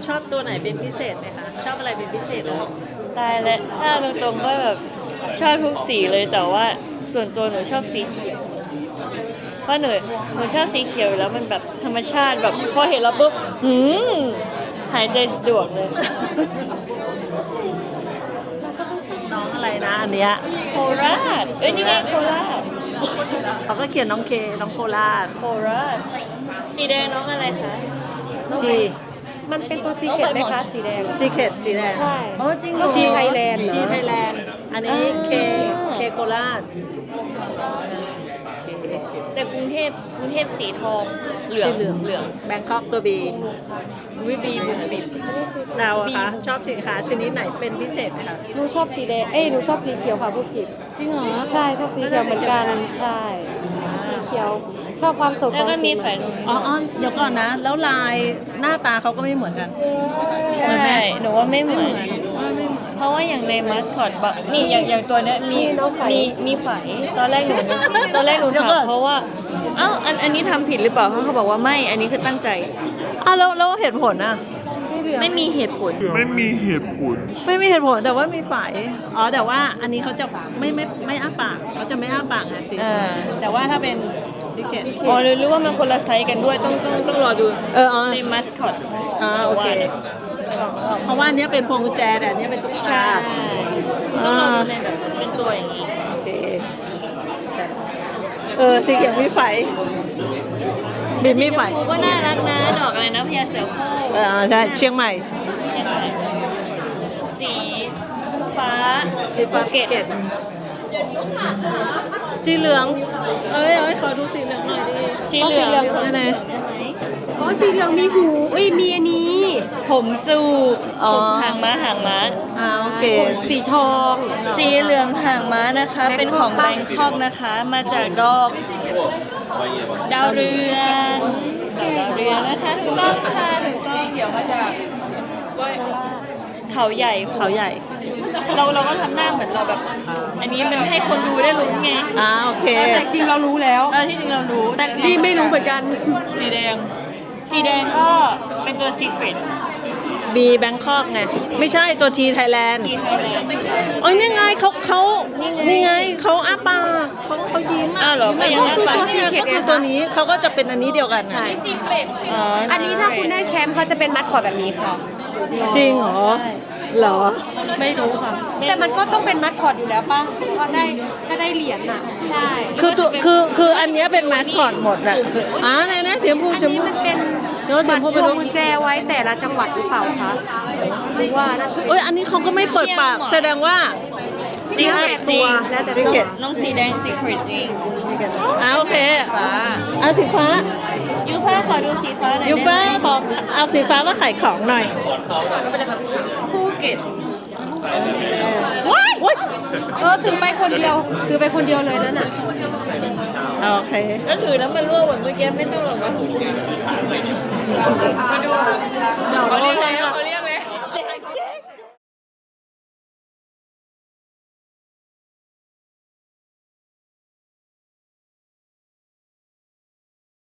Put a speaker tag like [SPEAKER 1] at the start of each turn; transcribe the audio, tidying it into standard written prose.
[SPEAKER 1] ชอบตัวไหนเป็นพิเศษไหมคะชอบอะไรเป็นพิเศษหรอ
[SPEAKER 2] ตายแล้วถ้าตรงๆก็แบบชอบทุกสีเลยแต่ว่าส่วนตัวหนูชอบสีเขียวเพราะหนูชอบสีเขียวอยู่แล้วมันแบบธรรมชาติแบบพอเห็นแล้วปุ๊บหายใจสะดวกเลย
[SPEAKER 1] น้องอะไรนะอันเนี้ย
[SPEAKER 2] โคราชเอ้ยนี่ไงโคราช
[SPEAKER 1] เขาก็เขียนน้องเคน้องโคราช
[SPEAKER 2] โคราชสีแดงน้องอะไรคะ
[SPEAKER 1] ที
[SPEAKER 3] มันเป็นตัวซีเคทไหมคะสีแดง
[SPEAKER 1] ซีเคทสีแดง
[SPEAKER 3] ใช่
[SPEAKER 2] อ๋อจริงเหร
[SPEAKER 3] ก็
[SPEAKER 2] อ
[SPEAKER 3] ทีไทยแลนด์
[SPEAKER 1] ทีไทยแลนด์อันนี้เคโคราช
[SPEAKER 2] แต่กรุงเทพสีทองเหลือง
[SPEAKER 1] สีเหลืองแบงคอกตัวบี
[SPEAKER 2] วิบีบุ๋มบิม
[SPEAKER 1] เราอะคะชอบสินค้าชนิดไหนเป็นพิเศษไหมคะ
[SPEAKER 3] หนูชอบสีแดงหนูชอบสีเขียวค่ะพูดผิด
[SPEAKER 1] จริงเหรอ
[SPEAKER 3] ใช่ชอบสีเขียวเหมือนกันใช่สีเขียวชอบความสดข
[SPEAKER 2] แล้ว
[SPEAKER 3] อง
[SPEAKER 2] ก็มี
[SPEAKER 3] สี
[SPEAKER 2] ฝ่ายนู้น
[SPEAKER 1] อ๋อเดี๋ยวก่อนนะ แล้วลายหน้าตาเขาก็ไม่เหมือนกัน
[SPEAKER 2] ใช่หนูว่าไม่เหมือน เพราะว่าอย่างในมาสคอตแบบนี่อย่างตัวเนี้ยมีไฝตอนแรกหนูถามเขาว่าเอ้าอันนี้ทำผิดหรือเปล่าเขาบอกว่าไม่อันนี้คือตั้งใจ
[SPEAKER 1] แล้วเหตุผลอะ
[SPEAKER 2] ไม่มีเหตุผล
[SPEAKER 1] ไม่มีเหตุผลแต่ว่ามีฝ่ายแต่ว่าอันนี้เขาจะไม่อ้าปากเขาจะไม่อ้าปากไงสิ
[SPEAKER 2] อ่า
[SPEAKER 1] แต่ว่าถ้าเป็นซิกเก็ต
[SPEAKER 2] อ๋อหรือว่ามันคนละไซส์กันด้วยต้องรอดู
[SPEAKER 1] อ๋อ
[SPEAKER 2] ในมาสคอต
[SPEAKER 1] โอเคเพราะว่าอันเนี้ยเป็นพวงกุญแจแต่อันเนี้ยเป็นตุ๊ก
[SPEAKER 2] ใช่
[SPEAKER 1] ตา
[SPEAKER 2] ต้องรอดูในแบบเป็นตัวอย่างนี้
[SPEAKER 1] โอเคสีเขียวมีไฟบินมีไฟ
[SPEAKER 2] ครูก็น่ารักนะดอกอะไรนะพญาเสือโคร่ง
[SPEAKER 1] ใช่เชียงใหม่
[SPEAKER 2] ใช่ไหมสีฟ้า
[SPEAKER 1] สีฟ้าภูเก็ตสีเหลืองขอดูสีเหลืองหน่อยดิ
[SPEAKER 2] สีเหลือง
[SPEAKER 1] นั่นไง
[SPEAKER 3] อ๋อสีเหลืองมีหูมีอันนี้
[SPEAKER 2] ผมจูบ
[SPEAKER 1] อ๋อ
[SPEAKER 2] ผมหางม้า
[SPEAKER 1] โอเค
[SPEAKER 3] สีทอง
[SPEAKER 2] สีเหลืองหางม้านะคะ เป็นของแบงคอกนะคะ มาจากดอกดาวเรืองนะคะถูกต้องค่ะถูกต้องเขาใหญ่
[SPEAKER 1] เขาใหญ่
[SPEAKER 2] เราก็ทำหน้าเหมือนเราแบบ อันนี้มันให้คนดูได้ลุ้นไง
[SPEAKER 1] โอเค
[SPEAKER 3] แต่จริงเรารู้แล้ว
[SPEAKER 2] ที่จริงเรารู้
[SPEAKER 3] แต่นี่ไม่รู้เหมือนกัน
[SPEAKER 2] สีแดงก็เป็นตัว secret
[SPEAKER 1] บีแบงคอกไงไม่ใช่ตัวทีไทยแลนด์
[SPEAKER 2] ที่ไทยแลนด์
[SPEAKER 1] นี่ไงนี่ไงเขาอ้าปากเขายิ้ม
[SPEAKER 2] อ้าวเหรอ
[SPEAKER 1] ยิ้ม
[SPEAKER 2] ก็ยังอ้าปาก
[SPEAKER 1] นี่ไงก็คือตัวนี้เขาก็จะเป็นอันนี้เดียวกันนะ
[SPEAKER 2] อ๋อ
[SPEAKER 3] อันนี้ถ้าคุณได้แชมป์เขาจะเป็นมัดคอร์ดแบบนี้ค่ะ
[SPEAKER 1] จริงเหรอเหรอ
[SPEAKER 3] ไม่รู้ค่ะ แต่มันก็ต้องเป็นมัดคอร์ดอยู่แล้วป่ะถ้าได้เหรียญน่ะ ใช่
[SPEAKER 1] คืออันเนี้ยเป็นมาสคอตหมดแหละคือไหนสีชมพู
[SPEAKER 3] อัน
[SPEAKER 1] ชม
[SPEAKER 3] นี้
[SPEAKER 1] พู
[SPEAKER 3] มันเป็น
[SPEAKER 1] เดี๋ยวสีชมพูไป
[SPEAKER 3] พว
[SPEAKER 1] ดู
[SPEAKER 3] งกุญแจไว้แต่ละจังหวัดหรือเปล่าคะหรือว่าน่าจะเป็น
[SPEAKER 1] อันนี้เขาก็ไม่เปิดปากแสดงว่า
[SPEAKER 3] สีแล้วแต่ตัวแล้วแต่ตัว
[SPEAKER 1] Secret
[SPEAKER 2] น้องสีแดง secret จริง
[SPEAKER 1] โอเค
[SPEAKER 2] ฟ้า
[SPEAKER 1] สีฟ้า
[SPEAKER 2] ยูฟ่าขอดูสีฟ้าหน่อย
[SPEAKER 1] ยูฟ้า
[SPEAKER 2] ได้ไหม
[SPEAKER 1] ขอเอาสีฟ้ามาขายของหน่อย
[SPEAKER 2] ภูเก็ต
[SPEAKER 1] ว้าย
[SPEAKER 3] ถือไปคนเดียวเลยนั่นน่ะ
[SPEAKER 1] โอเค
[SPEAKER 2] แล้วถือแล้วมันรั่วเหมือนเมื่อกี้ไม่ต้องหรอกวะมาดู